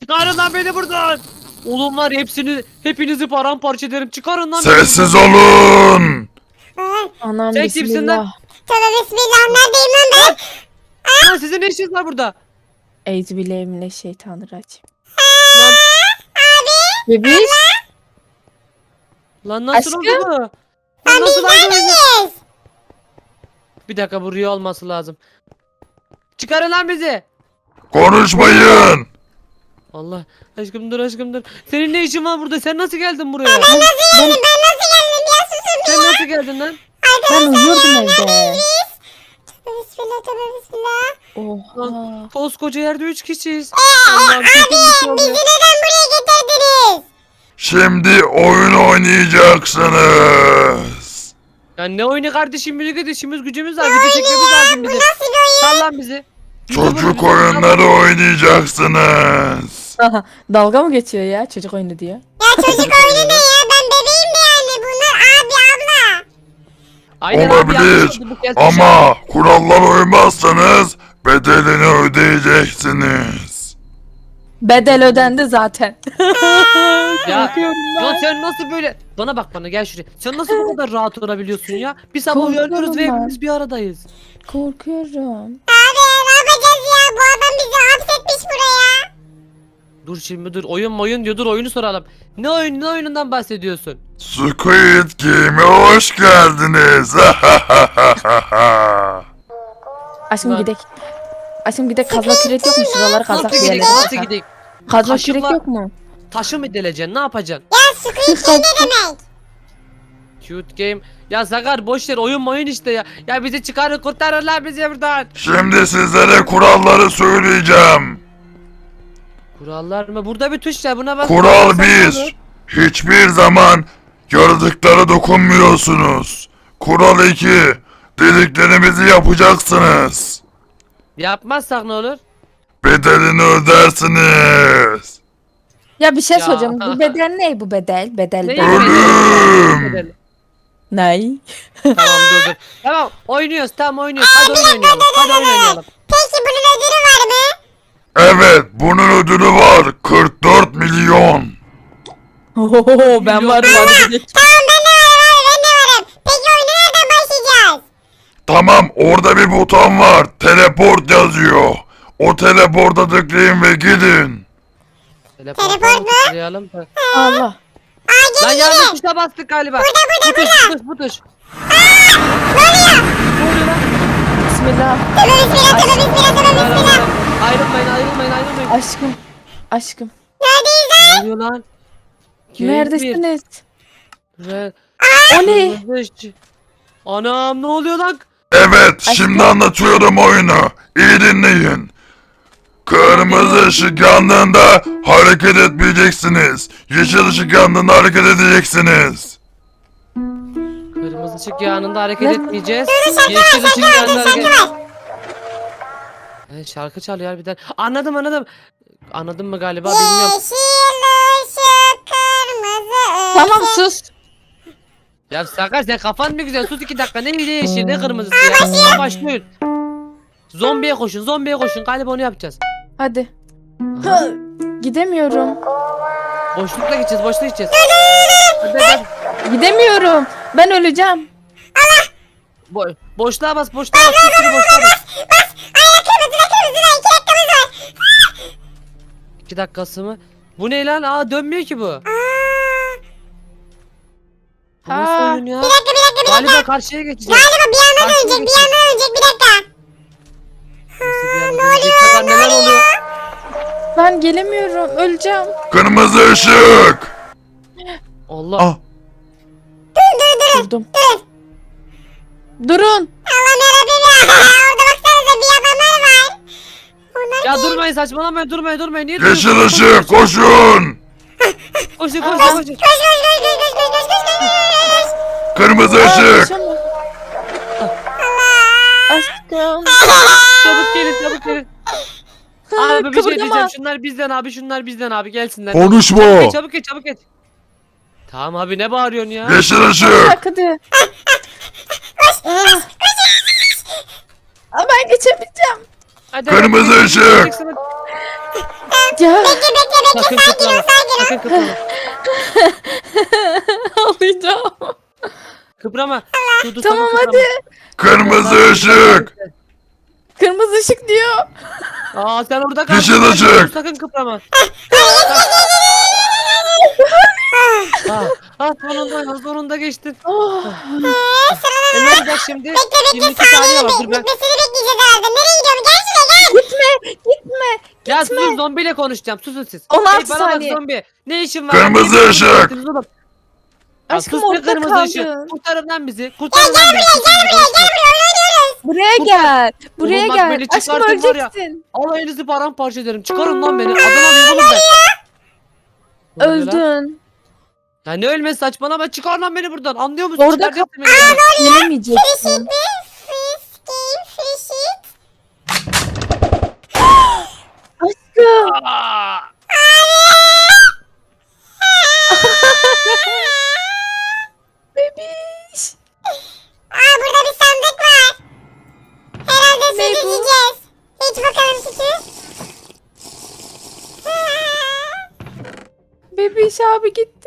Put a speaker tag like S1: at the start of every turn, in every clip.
S1: Çıkarın lan beni buradan. Oğlum var hepinizi paramparça ederim. Çıkarın lan beni
S2: Sessiz
S1: buradan.
S2: olun.
S3: Anam
S1: Sen kimsin lan?
S3: bismillah.
S4: Tövbe bismillah, neredeyim lan ben?
S1: Lan sizin ne işiniz var burada?
S3: Euzubillahimineşşeytanirracim.
S1: Lan,
S3: Bebiş.
S1: lan nasıl
S3: Aşkım?
S1: oldu bu? Lan
S4: Lan
S1: nasıl
S4: biz
S1: oldu?
S4: neredeyiz?
S1: Bir dakika bu rüya olması lazım. Çıkarın lan bizi.
S2: Konuşmayın.
S1: Allah aşkım dur aşkım dur. Senin ne işin var burada? Sen nasıl geldin buraya?
S4: Ben nasıl geldim ya, susun
S1: Sen nasıl geldin lan?
S3: Ben uyuyordum evde.
S4: Tövbe bismillah, tövbe bismillah.
S3: Oha.
S1: Koskoca yerde 3 kişiyiz. Allah'ım kesin bir şey oluyor.
S4: Bizi neden buraya getirdiniz?
S2: Şimdi oyun oynayacaksınız.
S1: Ya ne oyunu kardeşim, birlikte işimiz gücümüz var. Video çekmemiz lazım bizim.
S4: Nasıl bir oyun?
S1: Sal lan bizi.
S2: Çocuk oyunları oynayacaksınız.
S3: Dalga mı geçiyor ya çocuk oyunu diyor.
S4: Ya çocuk oyunu ne ya? Ben bebeğim de yani. Bunlar abi abla.
S1: Aynen abi, yanlış
S2: Olabilir
S1: oldu bu kez. şey
S2: ama kurallara uymazsanız bedelini ödeyeceksiniz.
S3: Bedel ödendi zaten.
S1: Ya,
S3: Korkuyorum
S1: ya
S3: ben.
S1: sen nasıl böyle... Bana bak, bana gel şuraya. Sen nasıl bu kadar rahat olabiliyorsun ya? Biz sabah
S3: Korkuyorum
S1: uyanıyoruz ve
S3: ben.
S1: hepimiz bir aradayız.
S3: Korkuyorum.
S4: Abi ne yapacağız ya? Bu adam bizi hapsetmiş buraya.
S1: Dur şimdi dur. Oyun diyor. Dur oyunu soralım. Ne oyunundan bahsediyorsun?
S2: Squid Game'e hoş geldiniz.
S3: Aşkım
S1: Lan.
S3: gidek. Aşkım gidek kazma kürek yok mu şuraları
S1: Nasıl
S3: kazak
S1: gidelim?
S3: diyelim.
S1: Nasıl gidelim?
S3: Kazma
S1: Kaşıkla-
S3: kürek yok mu?
S1: Taşı mı deleceksin? Ne yapacaksın?
S4: Ya Squid Game ne demek?
S1: Cute game. Ya Sakar boş ver, oyun işte ya. Ya bizi çıkarın, kurtarın lan bizi buradan.
S2: Şimdi sizlere kuralları söyleyeceğim.
S1: Kurallar mı? Burada bir tuş var, buna bak.
S2: Kural
S1: Sen ne
S2: 1.
S1: olur?
S2: Hiçbir zaman yaratıklara dokunmuyorsunuz. Kural 2. Dediklerimizi yapacaksınız.
S1: Yapmazsak ne olur?
S2: Bedelini ödersiniz.
S3: Ya bir şey
S1: Ya.
S3: soracağım. Bu bedel ne bu bedel? Bedel
S1: Ne
S3: bedel.
S2: Ölüm.
S3: Ney?
S1: Tamam dur. Tamam oynuyoruz, tamam oynuyoruz. Hadi oyun oynayalım. Hadi oyun oynayalım.
S4: Peki bunun ödülü var mı?
S2: Evet, bunun ödülü var. 44 milyon.
S3: Oho ben varım hadi gidelim.
S4: Tamam, ben de varım, ben de varım. Peki oyuna nereden başlayacağız?
S2: Tamam, orada bir buton var. Teleport yazıyor. O teleporta tıklayın ve gidin.
S4: Teleport mu?
S1: Tıklayalım.
S3: Allah.
S1: Lan yanlış tuşa bastık galiba.
S4: Burada.
S1: Bu tuş.
S3: Bismillah.
S4: Tövbe bismillah, tövbe bismillah, tövbe bismillah.
S1: Ayrılmayın.
S3: Aşkım.
S1: Ne oluyor lan?
S3: Neredesiniz?
S1: Red.
S3: O ne?
S1: Anam ne oluyor lan?
S2: Evet, şimdi anlatıyorum oyunu. İyi dinleyin. Kırmızı ışık yandığında hareket etmeyeceksiniz. Yeşil ışık yandığında hareket edeceksiniz.
S1: Kırmızı ışık yanında hareket
S3: Ne?
S1: etmeyeceğiz. Yeşil ışık yanında hareket. Şarkı çalıyor harbiden. Anladım. Anladın mı galiba bilmiyorum.
S4: Yeşil ışık, kırmızı ışık.
S3: Tamam sus.
S1: Ya Sakar sen kafan mı güzel? Sus 2 dakika. Ne yeşil ne kırmızısı ya. Başlıyor. Zombiye koşun. Galiba onu yapacağız.
S3: Hadi. Hı, gidemiyorum.
S1: Boşlukla gideceğiz. Hadi.
S3: Gidemiyorum. Ben öleceğim.
S1: Boşluğa bas. Bir sürü boşluğa bas.
S4: Ay kırmızı, 2 dakikamız var.
S1: 2 dakikası mı? Bu ne lan? Aa dönmüyor ki bu. Bu nasıl
S3: Ha.
S1: oyun ya?
S4: Bir dakika.
S1: Galiba karşıya geçeceğiz.
S4: Galiba bir yandan dönecek, bir dakika.
S1: Nasıl bir yana dönecek? Sakar neler oluyor?
S3: Ben gelemiyorum. Öleceğim.
S2: Kırmızı ışık.
S1: Allah.
S2: Ah,
S3: Durdum. Durun.
S4: Allah'ım yarabbim ya. Orada baksanıza bir adamlar var. Onlar
S1: Ya durmayın, saçmalamayın, durmayın. Niye
S2: yeşil
S1: duruyorsunuz?
S2: ışık, koşun.
S1: Koşun.
S4: koş.
S2: Kırmızı
S3: Aa,
S2: ışık.
S3: koşamam. Aşkım.
S1: Çabuk gelin. Abi bir şey
S3: Kıpırdama.
S1: diyeceğim. Şunlar bizden abi gelsinler.
S2: Konuşma.
S1: Çabuk geç. Tamam abi ne bağırıyorsun ya?
S2: Yeşil
S3: Bir
S2: ışık.
S3: dakika hadi. Aa, ben geçemeyeceğim.
S1: Hadi,
S2: Kırmızı ışık.
S3: Ya
S1: Sakın kıprama. Sakın kıprama.
S3: ağlayacağım.
S1: Kıprama. Dur,
S3: Tamam
S1: sakın
S3: hadi.
S1: kıprama.
S2: Kırmızı ışık.
S3: Kırmızı ışık diyor.
S1: Aa sen orada kal.
S2: Yeşil ışık.
S1: Sakın kıprama. Sonunda geçtin.
S3: Oh.
S1: Ne olacak şimdi?
S4: Bekle
S1: 22 saniye var. Dur ben.
S4: Bitmesini bekleyeceğiz herhalde. Nereye gidiyorum? Gel şuraya gel.
S3: Gitme.
S1: Ya susun, zombiyle konuşacağım. Susun siz.
S3: 16
S1: Hey, bana bak
S3: saniye.
S1: zombi. Ne işin var?
S2: Kırmızı
S1: Niye
S2: ışık.
S1: konuşuyorsunuz oğlum? Ya
S3: Aşkım
S1: sus be,
S3: orada
S1: kırmızı
S3: kaldın.
S1: ışık. Kurtarın lan bizi. Kurtarın lan beni.
S3: Buraya gel. Buraya
S1: Oğlum bak
S3: gel.
S1: beni
S3: Aşkım
S1: çıkartın var ya.
S3: öleceksin.
S1: Alayınızı paramparça ederim. Çıkarın lan beni. Adam alayım oğlum ben. Ne oluyor lan?
S3: Öldün.
S1: Ya ne ölmesi, saçmalama, çıkar lan beni buradan. Anlıyor musun?
S3: Orada
S1: Çıkaracaksın beni buradan.
S3: Gelemeyeceksin.
S4: Free sheet.
S3: Aşkım.
S1: Aa!
S3: Bebiş.
S4: Aa burada bir sandık var. Herhalde su
S3: Ne bu?
S4: içeceğiz. Hiç bakalım sütü.
S3: Bebiş abi gitti.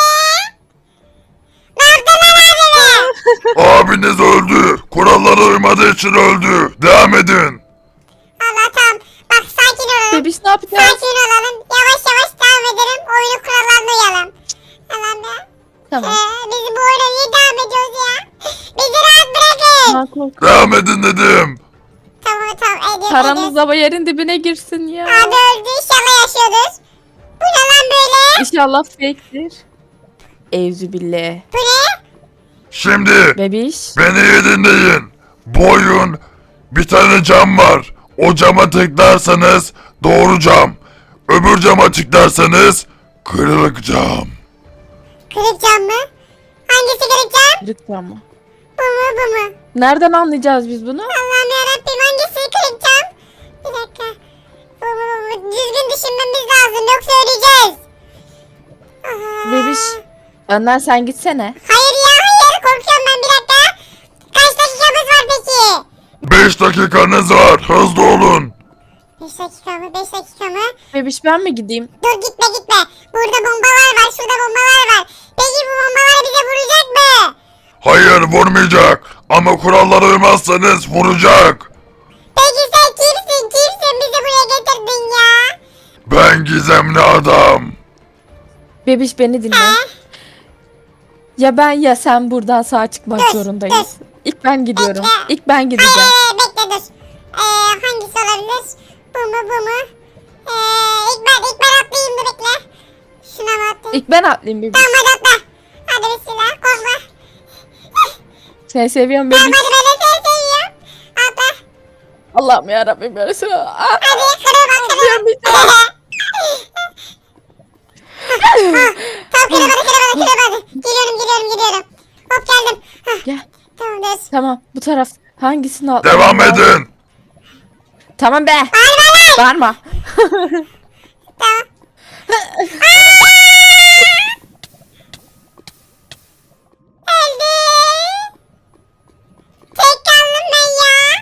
S4: Ne yaptın lan abime?
S2: Abiniz öldü. Kurallara uymadığı için öldü. Devam edin.
S4: Allah tamam. Bak sakin olalım.
S3: Bebiş ne yapacağız?
S4: Sakin olalım. Yavaş yavaş devam edelim. Oyunu kurallarına uyalım. Tamam ya.
S3: Tamam.
S4: Biz bu oyuna niye devam ediyoruz ya? Bizi rahat bırakın.
S3: Ha, kork-
S2: Devam edin dedim.
S4: Tamam ediyoruz.
S3: Paramız da yerin dibine girsin ya.
S4: Abi öldü inşallah yaşıyordur. Bu ne lan böyle?
S3: İnşallah fake'tir. Evzübillah.
S4: Bu ne?
S2: Şimdi
S3: Bebiş.
S2: beni iyi dinleyin. Bu oyun bir tane cam var. O cama tıklarsanız doğru cam. Öbür cama tıklarsanız kırık cam.
S4: Kırık cam mı? Hangisi kırık cam?
S3: Kırık cam mı?
S4: Bu mu bu mu?
S3: Nereden anlayacağız biz bunu?
S4: Allah'ım yarabbim hangisi kırık cam? Bir dakika. Bu. Düzgün düşünmemiz lazım yoksa öleceğiz. Aha.
S3: Bebiş. Önden sen gitsene.
S4: Hayır ya hayır korkuyorum ben bir dakika. Kaç dakikamız var peki?
S2: 5 dakikanız var. Hızlı olun.
S4: 5 dakika mı 5 dakika mı?
S3: Bebiş ben mi gideyim?
S4: Dur gitme. Burada bombalar var şurada bombalar var. Peki bu bombalar bize vuracak mı?
S2: Hayır vurmayacak. Ama kurallara uymazsanız vuracak.
S4: Peki sen kimsin? Bizi buraya getirdin ya.
S2: Ben gizemli adam.
S3: Bebiş beni dinle. Ya ben ya sen buradan sağ çıkmak
S4: Dur,
S3: zorundayız. İlk ben gidiyorum.
S4: Bekle.
S3: İlk ben gideceğim.
S4: Bekle dur. Hangisi olabilir? Bu mu? İlk ben atlayayım da bekle. Şuna mı atlayayım?
S3: İlk ben atlayayım bebiş.
S4: Tamam hadi atla. Hadi bismillah korkma.
S3: Seni seviyorum
S4: Tamam
S3: bebiş.
S4: hadi ben de seni seviyorum. Atla.
S3: Allah'ım yarabbim ya Resulallah.
S4: Hadi kırma.
S3: Atlayamayacağım.
S4: Tamam kıramadı. Geliyorum. Hop geldim.
S3: Gel.
S4: Tamamdır.
S3: Tamam bu taraf. Hangisini atlayayım?
S2: Devam edin.
S3: Tamam be. Bağırma.
S4: Tamam. Öldü. Tek kaldım ben ya.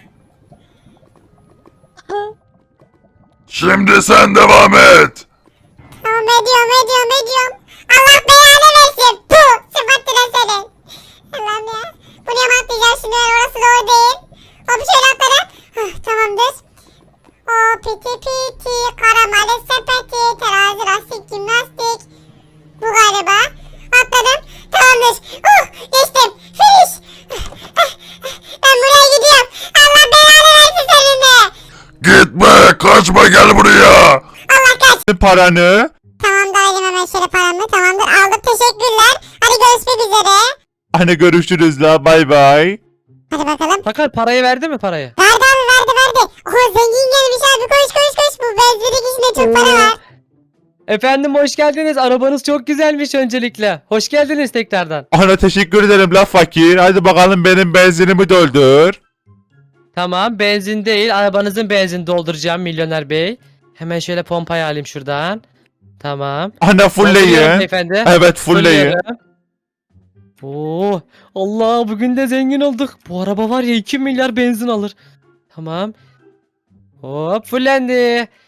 S2: Şimdi sen devam et.
S4: Tamam ediyorum. Allah belanı versin. Puh. Sıfattına senin. Allah'ım ya. Buraya mı atlayacağım şimdi ben orası doğru değil. Hop şöyle atladım. Tamamdır. O piti karamele sepeti terazi lastik jimnastik. Bu galiba. Atladım. Tamamdır. Geçtim. Finish. Ben buraya gidiyorum. Allah belanı versin senin de.
S2: Gitme kaçma gel buraya.
S4: Allah kaç.
S2: Paranı.
S4: Tamam da alayım hemen şöyle paramı. Tamamdır aldım teşekkürler. Hadi görüşmek üzere.
S2: Hani görüşürüz la bay bay.
S4: Hadi bakalım.
S1: Sakar parayı verdi mi parayı?
S4: Verdi abi verdi. Zengin gelmiş abi koş. Bu benzinlik içinde çok para var.
S1: Efendim hoş geldiniz. Arabanız çok güzelmiş öncelikle. Hoş geldiniz tekrardan.
S2: Ana teşekkür ederim la fakir. Hadi bakalım benim benzinimi doldur.
S1: Tamam, benzin değil, arabanızın benzin dolduracağım milyoner bey. Hemen şöyle pompayı alayım şuradan. Tamam.
S2: Ana
S1: Dolduruyorum
S2: fullleyin.
S1: beyefendi.
S2: Evet fullleyin.
S1: Fulluyorum. Oo, Allah bugün de zengin olduk. Bu araba var ya 2 milyar benzin alır. Tamam. Hop fullendi.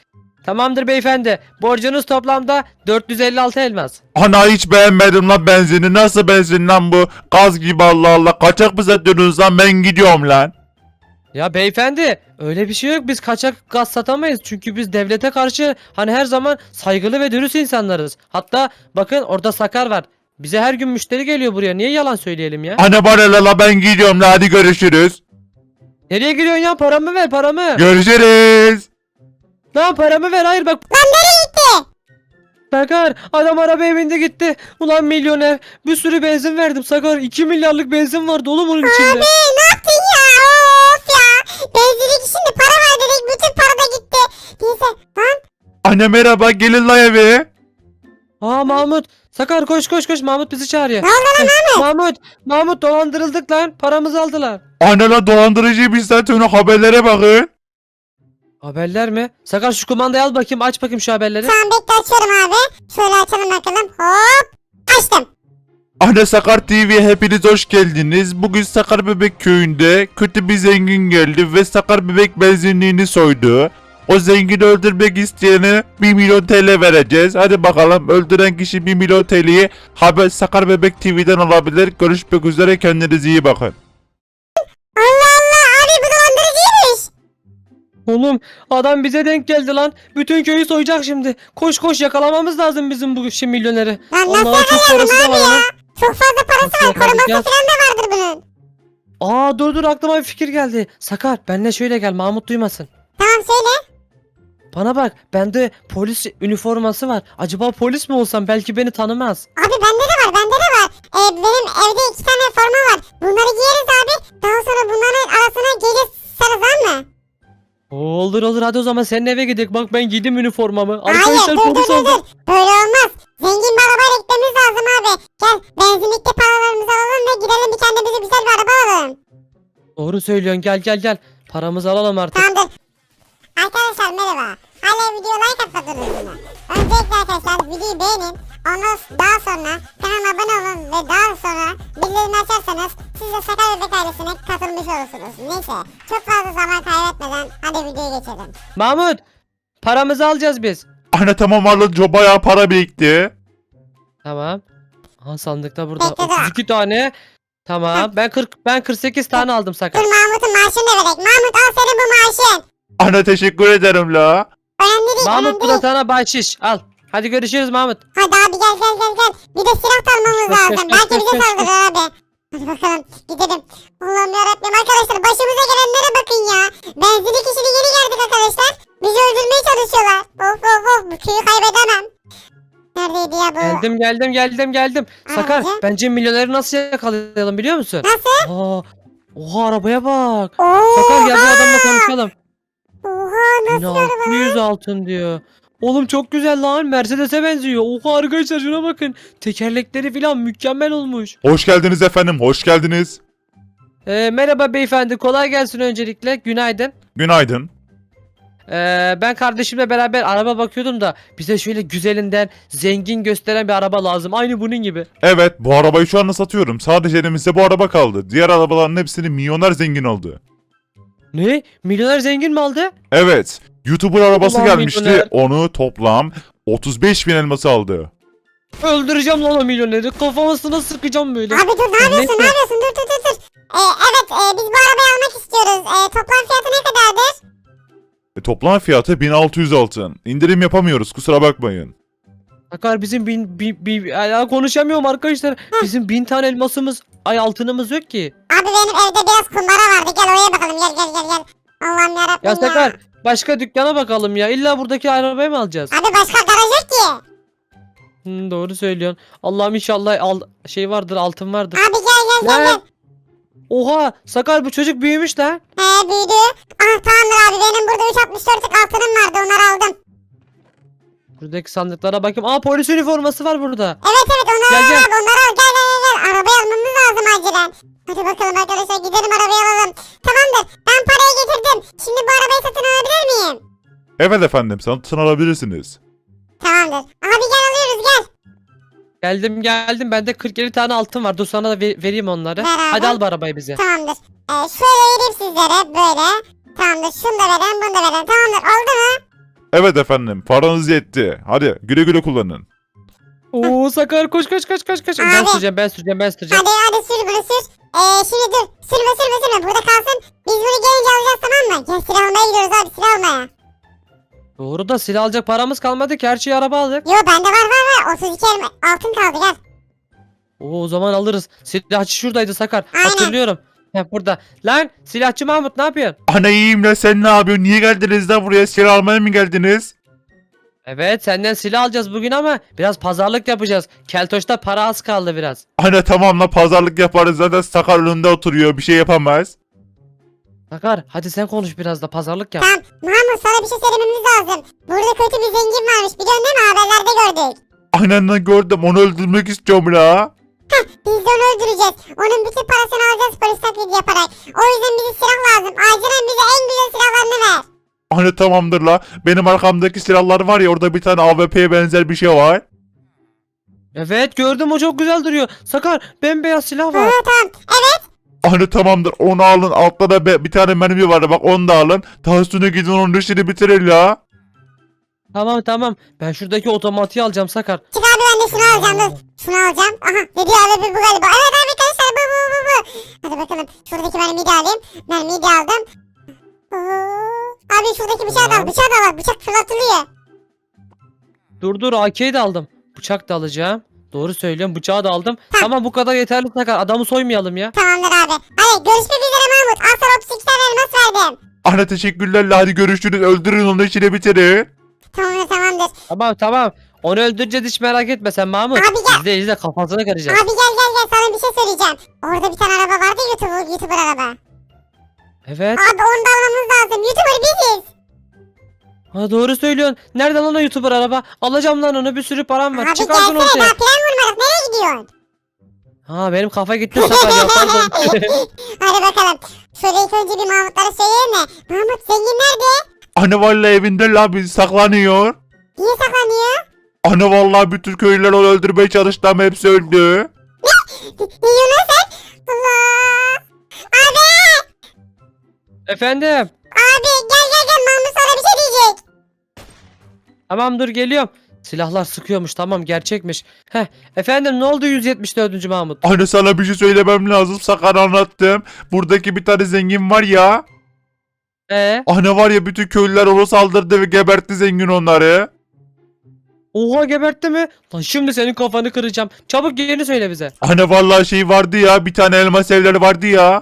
S1: Tamamdır beyefendi. Borcunuz toplamda 456 elmas.
S2: Ana hiç beğenmedim lan benzini. Nasıl benzin lan bu? Gaz gibi Allah Allah. Kaçak mı satıyorsunuz lan? Ben gidiyorum lan.
S1: Ya beyefendi öyle bir şey yok. Biz kaçak gaz satamayız. Çünkü biz devlete karşı hani her zaman saygılı ve dürüst insanlarız. Hatta bakın orada Sakar var. Bize her gün müşteri geliyor buraya. Niye yalan söyleyelim ya?
S2: Ana bana la ben gidiyorum lan. Hadi görüşürüz.
S1: Nereye gidiyorsun ya? Paramı ver paramı.
S2: Görüşürüz.
S1: Lan paramı ver. Hayır bak.
S4: Lan nereye gitti?
S1: Sakar adam arabaya bindi gitti. Ulan milyoner. Bir sürü benzin verdim Sakar. 2 milyarlık benzin vardı oğlum onun içinde.
S4: Abi ne yaptın ya? Of ya. Benzinlik şimdi para var dedik. Bütün para da gitti. Neyse lan.
S2: Anne merhaba gelin lan eve.
S1: Aa Mahmut. Sakar koş koş koş. Mahmut bizi çağırıyor.
S4: Ne oldu lan Mahmut?
S1: Mahmut dolandırıldık lan. Paramızı aldılar.
S2: Anne la dolandırıcı bir zaten onu haberlere bakın.
S1: Haberler mi? Sakar şu kumandayı al bakayım. Aç bakayım şu haberleri.
S4: Tamam bekle açıyorum abi. Şöyle açalım bakalım. Hop. Açtım.
S2: Anne Sakar TV'ye hepiniz hoş geldiniz. Bugün Sakar Bebek köyünde kötü bir zengin geldi ve Sakar Bebek benzinliğini soydu. O zengini öldürmek isteyene 1 milyon TL vereceğiz. Hadi bakalım öldüren kişi 1 milyon TL'yi haber Sakar Bebek TV'den alabilir. Görüşmek üzere kendinize iyi bakın.
S4: Allah Allah abi bu dolandırıcıymış.
S1: Oğlum adam bize denk geldi lan. Bütün köyü soyacak şimdi. Koş koş yakalamamız lazım bizim bu milyoneri.
S4: Lan nasıl
S1: Allah'a çok
S4: yakalayalım
S1: parası da
S4: abi
S1: var
S4: ya?
S1: lan.
S4: Çok fazla parası
S1: Nasıl
S4: var.
S1: yakalayacağız?
S4: Koruması falan da vardır bunun.
S1: Aa dur aklıma bir fikir geldi. Sakar benle şöyle gel Mahmut duymasın.
S4: Tamam söyle.
S1: Bana bak bende polis üniforması var. Acaba polis mi olsam belki beni tanımaz.
S4: Abi bende de var. Benim evde 2 tane forma var. Bunları giyeriz abi. Daha sonra bunların arasına gece sarız mı?
S1: Olur hadi o zaman senin eve gidelim. Bak ben giydim üniformamı.
S4: Hayır
S1: Arkadaşlar
S4: dur
S1: polis oldum.
S4: Böyle olmaz. Zengin bir arabayla gitmemiz lazım abi. Gel benzinlikte paralarımızı alalım ve gidelim bir kendimize güzel bir araba alalım.
S1: Doğru söylüyorsun gel. Paramızı alalım artık.
S4: Tamamdır. Arkadaşlar merhaba. Hala videoya like atmadınız mı? Öncelikle arkadaşlar videoyu beğenin. Ondan daha sonra kanalıma abone olun ve daha sonra bildirimleri açarsanız siz de Sakar Bebek ailesine katılmış olursunuz. Neyse çok fazla zaman kaybetmeden hadi videoya geçelim.
S1: Mahmut paramızı alacağız biz.
S2: Anne tamam alın bayağı para birikti.
S1: Tamam. Aha sandıkta burada
S4: Bekle, dur.
S1: 32 tane. Tamam. Ben 48 tane aldım
S4: Dur
S1: Sakar.
S4: Mahmut'un maaşını da verek. Mahmut al senin bu maaşın.
S2: Anne teşekkür ederim la.
S4: Önemli değil
S1: Mahmut
S4: önemli
S1: bu
S4: değil.
S1: da sana bahşiş. Al. Hadi görüşürüz Mahmut.
S4: Hadi abi gel. Bir de silah da almamız
S1: Koş,
S4: lazım.
S1: koş,
S4: Belki
S1: koş,
S4: bize
S1: koş,
S4: saldırır abi. Hadi bakalım gidelim. Allah'ım yarabbim arkadaşlar başımıza gelenlere bakın ya. Benzinlik işini yeni geldik arkadaşlar. Bizi öldürmeye çalışıyorlar. Of bu köyü kaybedemem. Neredeydi ya bu?
S1: Geldim. Sakar
S4: Aracı.
S1: bence milyoneri nasıl yakalayalım biliyor musun?
S4: Nasıl?
S1: Oha arabaya bak.
S4: Oha.
S1: Sakar gel bu adamla konuşalım.
S4: Oha nasıl araba?
S1: 1600 altın diyor. Oğlum çok güzel lan. Mercedes'e benziyor. Oha arkadaşlar şuna bakın. Tekerlekleri falan mükemmel olmuş.
S2: Hoş geldiniz efendim hoş geldiniz.
S1: Merhaba beyefendi. Kolay gelsin öncelikle. Günaydın.
S2: Günaydın.
S1: Ben kardeşimle beraber araba bakıyordum da bize şöyle güzelinden zengin gösteren bir araba lazım. Aynı bunun gibi.
S2: Evet bu arabayı şu anda satıyorum. Sadece elimizde bu araba kaldı. Diğer arabaların hepsini milyoner zengin aldı.
S1: Ne? Milyoner zengin mi aldı?
S2: Evet. YouTuber arabası
S1: Ulan
S2: gelmişti.
S1: milyoner.
S2: Onu toplam 35.000 elması aldı.
S1: Öldüreceğim lan o milyoneri. Kafasına sıkacağım böyle.
S4: Abi dur ne yapıyorsun?
S1: Neyse.
S4: Dur. Evet biz bu arabayı almak istiyoruz. Toplam fiyatı ne kadardır?
S2: Toplam fiyatı 1600 altın. İndirim yapamıyoruz kusura bakmayın.
S1: Sakar bizim ya konuşamıyorum arkadaşlar. Bizim 1000 tane elmasımız, altınımız yok ki.
S4: Abi benim evde biraz kumbara vardı. Gel oraya bakalım. Gel. Allah'ım yarabbim
S1: Ya Sakar başka dükkana bakalım ya. İlla buradaki arabayı mı alacağız?
S4: Abi başka garaj yok ki.
S1: Doğru söylüyorsun. Allah'ım inşallah şey vardır, altın vardır.
S4: Abi gel.
S1: Oha Sakar bu çocuk büyümüş lan.
S4: Büyüdü. Tamamdır abi benim burada 3.64'lük altınım vardı onları aldım.
S1: Buradaki sandıklara bakayım. Polis üniforması var burada.
S4: Evet onları
S1: Gel,
S4: al
S1: gel.
S4: abi onları al gel. Arabayı almamız lazım acilen. Hadi bakalım arkadaşlar gidelim arabayı alalım. Tamamdır ben parayı getirdim. Şimdi bu arabayı satın alabilir miyim?
S2: Evet efendim satın alabilirsiniz.
S4: Tamamdır. Abi gel alıyoruz gel.
S1: Geldim. Bende 47 tane altın var. Dur sana da vereyim onları.
S4: Ver abi.
S1: Hadi al bu arabayı bize.
S4: Tamamdır. Şöyle vereyim sizlere böyle. Tamamdır şunu da verelim bunu da verelim. Tamamdır oldu mu?
S2: Evet efendim, paranız yetti. Hadi güle güle kullanın.
S1: Oo Sakar koş koş koş koş koş. Ben
S4: Abi.
S1: süreceğim ben süreceğim ben süreceğim.
S4: Hadi sür bunu sür. Şimdi dur. Sürme. Burada kalsın. Biz bunu gelince alacağız, tamam mı? Gel silah almaya gidiyoruz abi, silah almaya.
S1: Doğru da silah alacak paramız kalmadı ki her şeyi araba aldık.
S4: Yo bende var. 32 altın kaldı, gel.
S1: Oo, o zaman alırız. Silahçı şuradaydı Sakar.
S4: Aynen.
S1: Hatırlıyorum. Heh burada. Lan silahçı Mahmut ne yapıyorsun?
S2: Ana iyiyim lan, sen ne yapıyorsun? Niye geldiniz lan buraya? Silah almaya mı geldiniz?
S1: Evet senden silah alacağız bugün ama biraz pazarlık yapacağız. Keltoş'ta para az kaldı biraz.
S2: Ana tamam la, pazarlık yaparız, zaten Sakar önünde oturuyor, bir şey yapamaz.
S1: Sakar hadi sen konuş biraz da pazarlık yap.
S4: Tamam. Mahmut, sana bir şey söylememiz lazım. Burada kötü bir zengin varmış, biliyorsun değil mi? Haberlerde gördük.
S2: Aynen lan, gördüm, onu öldürmek istiyorum la.
S4: Biz de onu öldüreceğiz. Onun bütün parasını alacağız polis taklidi yaparak. O yüzden bize silah lazım. Acilen bize en güzel silahlarını ver.
S2: Ana tamamdır la, benim arkamdaki silahlar var ya, orada bir tane AWP'ye benzer bir şey var.
S1: Evet gördüm o çok güzel duruyor. Sakar bembeyaz silah var.
S4: Tamam. Evet.
S2: Ana tamamdır, onu alın, altta da bir tane mermi var, bak onu da alın. Daha sonra gidin onun işini bitirin la.
S1: Tamam ben şuradaki otomatiği alacağım Sakar.
S4: Çık abi, ben de şunu alacağım, dur. Şunu alacağım. Aha, ne diyor abi, bu galiba. Evet abi arkadaşlar, bu. Hadi bakalım. Şuradaki mermiyi de alayım. Mermiyi de aldım. Abi şuradaki bıçağı da al.
S1: Tamam.
S4: Bıçağı da al. Bıçak fırlatılıyor.
S1: Dur AK'yi de aldım. Bıçak da alacağım. Doğru söylüyorum bıçağı da aldım. Tamam bu kadar yeterli Sakar adamı soymayalım ya.
S4: Tamamdır abi. Hadi görüşmek üzere Mahmut. Al sana 32 tane elmas verdim.
S2: Ana teşekkürler la, hadi görüşürüz, öldürün onun işini bitirin.
S4: Tamamdır.
S1: Tamam. Onu öldüreceğiz hiç merak etme sen Mahmut.
S4: Abi gel.
S1: İzle kafasını kıracağız.
S4: Abi gel sana bir şey söyleyeceğim. Orada bir tane araba vardı, YouTuber araba.
S1: Evet.
S4: Abi onu da almamız lazım. YouTuber biziz.
S1: Ha doğru söylüyorsun. Nereden lan o YouTuber araba? Alacağım lan onu bir sürü param var.
S4: Abi
S1: Çıkardın
S4: gelsene,
S1: ortaya.
S4: daha plan vurmadık. Nereye gidiyorsun?
S1: Ha benim kafa gitti Sakar ya pardon.
S4: Hadi bakalım. Şöyle ilk önce bir Mahmutlara söyleyelim mi? Mahmut, zengin nerede?
S2: Ana vallahi evinde la, biz saklanıyor.
S4: Niye saklanıyor?
S2: Ana vallahi bütün köylüler onu öldürmeye çalıştı ama hepsi öldü.
S4: Yunus sen? Allah. Abi.
S1: Efendim.
S4: Abi gel. Mahmut sana bir şey diyecek.
S1: Tamam dur geliyorum. Silahlar sıkıyormuş tamam gerçekmiş. Efendim ne oldu 174. Mahmut?
S2: Ana sana bir şey söylemem lazım, Sakar anlattım. Buradaki bir tane zengin var ya. Ana var ya, bütün köylüler ona saldırdı ve gebertti zengin onları.
S1: Oha gebertti mi? Lan şimdi senin kafanı kıracağım. Çabuk yerini söyle bize.
S2: Ana vallahi şey vardı ya, bir tane elmas evleri vardı ya.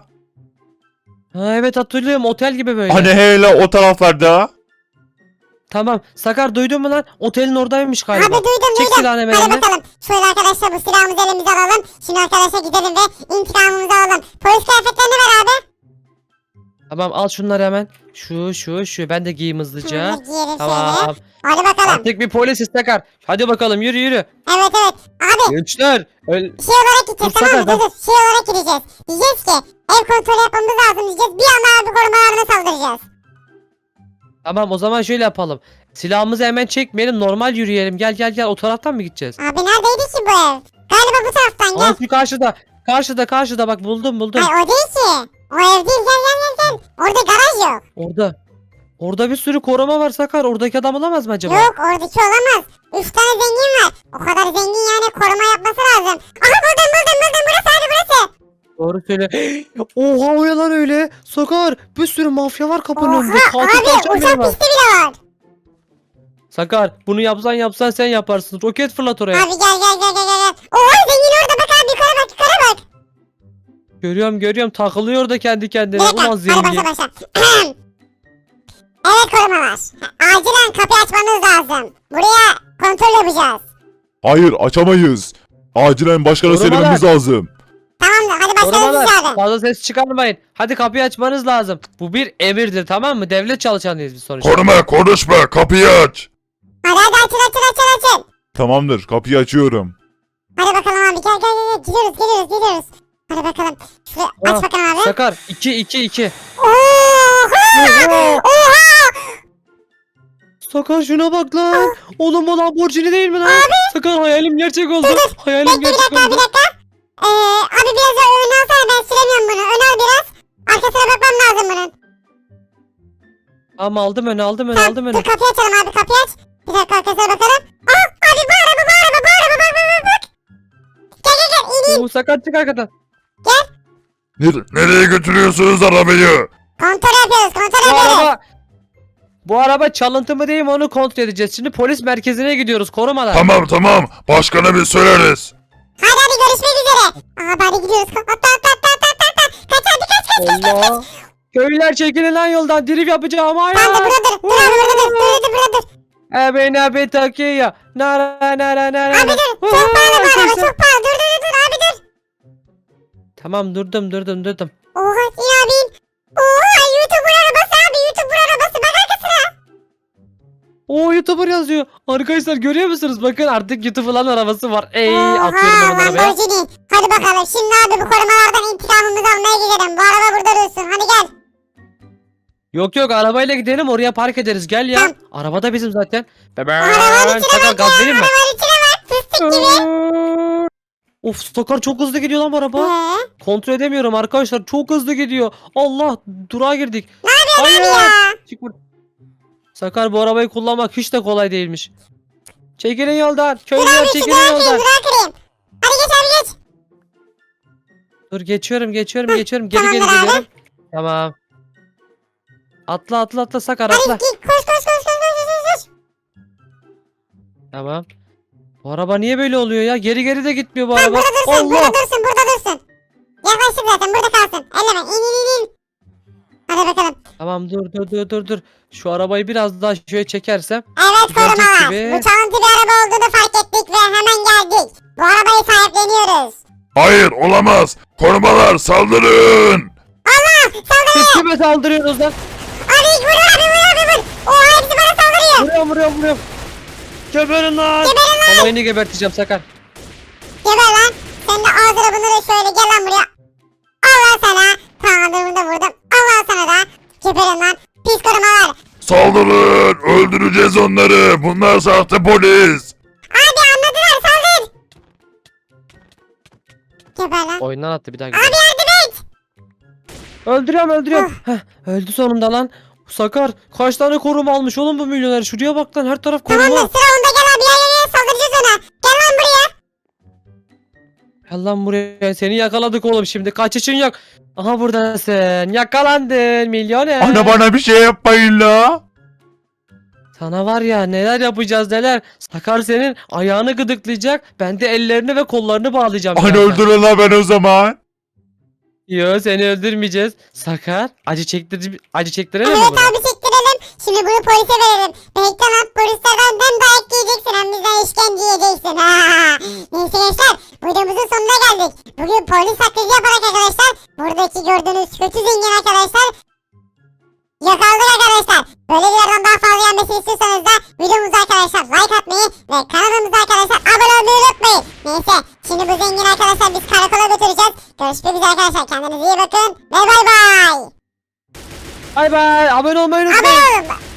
S1: Ha evet hatırlıyorum otel gibi böyle.
S2: Hani hele o taraflarda.
S1: Tamam Sakar duydun mu lan? Otelin oradaymış
S4: Abi
S1: galiba.
S4: duydum.
S1: Çek silahını hemen
S4: Hadi
S1: eline.
S4: bakalım. Şöyle arkadaşlar bu silahımızı elimize alalım. Şimdi arkadaşlar gidelim ve intikamımızı alalım. Polis kıyafetlerini ver abi.
S1: Tamam al şunları hemen. Şu ben de giyeyim hızlıca.
S4: Şunları giyelim şöyle.
S1: Tamam.
S4: Hadi bakalım.
S1: Artık bir polisiz Sakar. Hadi bakalım yürü.
S4: Evet. Abi
S1: Gençler.
S4: şey olarak gideceğiz,
S1: Dur,
S4: tamam mı?
S1: sakın,
S4: Dur. Şey olarak gideceğiz. Diyeceğiz ki ev kontrolü yapmamız lazım diyeceğiz. Bir anda abi korumalarına saldıracağız.
S1: Tamam o zaman şöyle yapalım. Silahımızı hemen çekmeyelim normal yürüyelim. Gel o taraftan mı gideceğiz?
S4: Abi neredeydi ki bu ev? Galiba bu taraftan gel.
S1: Aa şu karşıda bak buldum.
S4: Hayır o değil ki. O ev değil, gel. Orada garaj yok.
S1: Orada bir sürü koruma var Sakar. Oradaki adam olamaz mı acaba?
S4: Yok oradaki olamaz. 3 tane zengin var. O kadar zengin yani koruma yapması lazım. Aha buldum burası abi burası.
S1: Doğru söyle. Oha o ya lan öyle. Sakar bir sürü mafya var kapının önünde.
S4: Oha
S1: Katil
S4: abi
S1: kaçan biri
S4: uçak
S1: var.
S4: pisti bile var.
S1: Sakar bunu yapsan sen yaparsın. Roket fırlat oraya.
S4: Abi gel. Oha zengin orada bak abi yukarı bak.
S1: Görüyorum takılıyor da kendi kendine.
S4: Bir dakika
S1: Ulan
S4: hadi
S1: zengin.
S4: başla. Evet korumalar. Acilen kapıyı açmanız lazım. Buraya kontrol yapacağız.
S2: Hayır, açamayız. Acilen başkana
S1: Korumalar.
S2: söylememiz lazım.
S4: Tamamdır hadi başlayalım
S1: Korumalar
S4: dışarı.
S1: fazla ses çıkarmayın. Hadi kapıyı açmanız lazım. Bu bir emirdir tamam mı? Devlet çalışanıyız biz sonuçta.
S2: Koruma, konuşma, kapıyı aç.
S4: Hadi açın.
S2: Tamamdır, kapıyı açıyorum.
S4: Hadi bakalım abi gel. Gidiyoruz. Hadi bakalım. Şuraya aç
S1: Ah,
S4: bakalım abi.
S1: Sakar 2.
S4: Oha!
S1: Sakar şuna bak lan. Oğlum o Lamborghini değil mi lan? Sakar hayalim gerçek oldu. Hayalim
S4: Bekle bir
S1: gerçek
S4: dakika.
S1: oldu.
S4: Abi biraz daha ön alsana, ben süremiyorum bunu. Ön al biraz. Arkasına bakmam lazım bunun.
S1: Ama aldım öne aldım öne
S4: Tamam,
S1: aldım öne.
S4: dur kapıyı açalım abi, kapıyı aç. Bir dakika arkadaşlar bakalım. Aa abi bu araba bak. Gel gel gel in in.
S1: Oo, Sakar çık arkadan.
S2: Nereye götürüyorsunuz arabayı?
S4: Kontrol yapıyoruz kontrol
S1: Bu
S4: yapıyoruz.
S1: araba bu araba çalıntı mı değil mi onu kontrol edeceğiz. Şimdi polis merkezine gidiyoruz korumalar.
S2: Tamam. Başkana bir söyleriz.
S4: Hadi görüşmek üzere. Aa hadi gidiyoruz. Atla. Kaç hadi kaç.
S1: Allah. Köylüler çekilin lan yoldan drift yapacağım
S4: Sen de
S1: hayır.
S4: burada dur. Dur abi burada dur.
S1: Ebeyne abi takiye. Nara.
S4: Abi dur. Çok pahalı bu araba çok pahalı. Dur abi dur.
S1: Tamam durdum.
S4: Oha in abi in. Oha YouTuber arabası abi YouTuber arabası. Bak arkasına.
S1: Oo YouTuber yazıyor. Arkadaşlar görüyor musunuz? Bakın artık YouTuber'ların arabası var.
S4: Oha
S1: Atıyorum hemen arabaya.
S4: Lamborghini. Hadi bakalım şimdi abi bu korumalardan intikamımızı almaya gidelim. Bu araba burada dursun. Hadi gel.
S1: Yok arabayla gidelim oraya park ederiz. Gel ya.
S4: Tamam.
S1: Araba da bizim zaten.
S4: Arabanın içine
S1: Sakar
S4: bak
S1: gaz
S4: ya.
S1: vereyim mi?
S4: Arabanın içine bak. Fıstık gibi.
S1: Of Sakar çok hızlı gidiyor lan bu araba.
S4: Ee?
S1: Kontrol edemiyorum arkadaşlar. Çok hızlı gidiyor. Allah durağa girdik.
S4: Ne yapıyorsun
S1: Hayır.
S4: abi ya?
S1: Çık buradan. Sakar bu arabayı kullanmak hiç de kolay değilmiş. Çekilin yoldan.
S4: Dur
S1: Köylüler
S4: abi şu
S1: çekilin
S4: durağı
S1: yoldan.
S4: kırayım durağı kırayım. Hadi geç abi geç.
S1: Dur geçiyorum. Geri
S4: tamamdır abi.
S1: geliyorum. Tamam. Atla Sakar
S4: Hadi
S1: atla.
S4: git koş.
S1: Tamam. Bu araba niye böyle oluyor ya? Geri de gitmiyor bu
S4: Tamam
S1: araba.
S4: burada dursun
S1: Allah.
S4: burada dursun. Yaklaştık zaten burada kalsın. Elleme in. Hadi bakalım.
S1: Tamam dur. Şu arabayı biraz daha şöyle çekersem.
S4: Evet
S1: Güzelcek
S4: korumalar.
S1: gibi.
S4: Bu çalıntı bir araba olduğunu fark ettik ve hemen geldik. Bu arabayı sahipleniyoruz.
S2: Hayır olamaz. Korumalar saldırın.
S1: Siz kime saldırıyorsunuz lan?
S4: Abi vur. Oha hepsi bana saldırıyor.
S1: Vuruyorum. Geberin lan. Olayını geberteceğim Sakar.
S4: Geber lan. Sen de ağzına bunları şöyle gel lan buraya. Allah sana. Tamamdır da vurdum. Allah sana da. Geberin lan. Pis korumalar.
S2: Saldırın. Öldüreceğiz onları. Bunlar sahte polis.
S4: Abi anladılar saldır. Geber lan.
S1: Oyundan attı bir daha
S4: Abi
S1: gidelim.
S4: yardım et.
S1: Öldürüyorum. Heh, öldü sonunda lan. Sakar kaç tane koruma almış oğlum bu milyoner. Şuraya bak lan her taraf
S4: Tamamdır
S1: koruma.
S4: sıra onda gel abi. Ya saldıracağız ona. Gel lan buraya.
S1: Gel lan buraya seni yakaladık oğlum şimdi kaçışın yok. Aha buradasın yakalandın milyoner.
S2: Ana bana bir şey yapmayın la.
S1: Sana var ya neler yapacağız neler. Sakar senin ayağını gıdıklayacak. Ben de ellerini ve kollarını bağlayacağım.
S2: Ana
S1: birazdan.
S2: öldürün la ben o zaman.
S1: Yo seni öldürmeyeceğiz. Sakar acı çektirelim mi
S4: Evet
S1: bunu?
S4: abi çektirelim. Şimdi bunu polise verelim. Bekle lan polislerden dayak yiyeceksin hem bizden işkence yiyeceksin. Neyse gençler videomuzun sonuna geldik. Bugün polis taklidi yaparak arkadaşlar buradaki gördüğünüz kötü zengin arkadaşlar yakaladık arkadaşlar. Böyle videolardan daha fazla gelmesini istiyorsanız da videomuza arkadaşlar like atmayı ve kanalımıza arkadaşlar abone olmayı unutmayın. Neyse şimdi bu zengin arkadaşlar biz karakola götüreceğiz. Görüşmek üzere arkadaşlar kendinize iyi bakın ve bay bay.
S1: Bay bay abone olmayı unutmayın.
S4: Abone olun.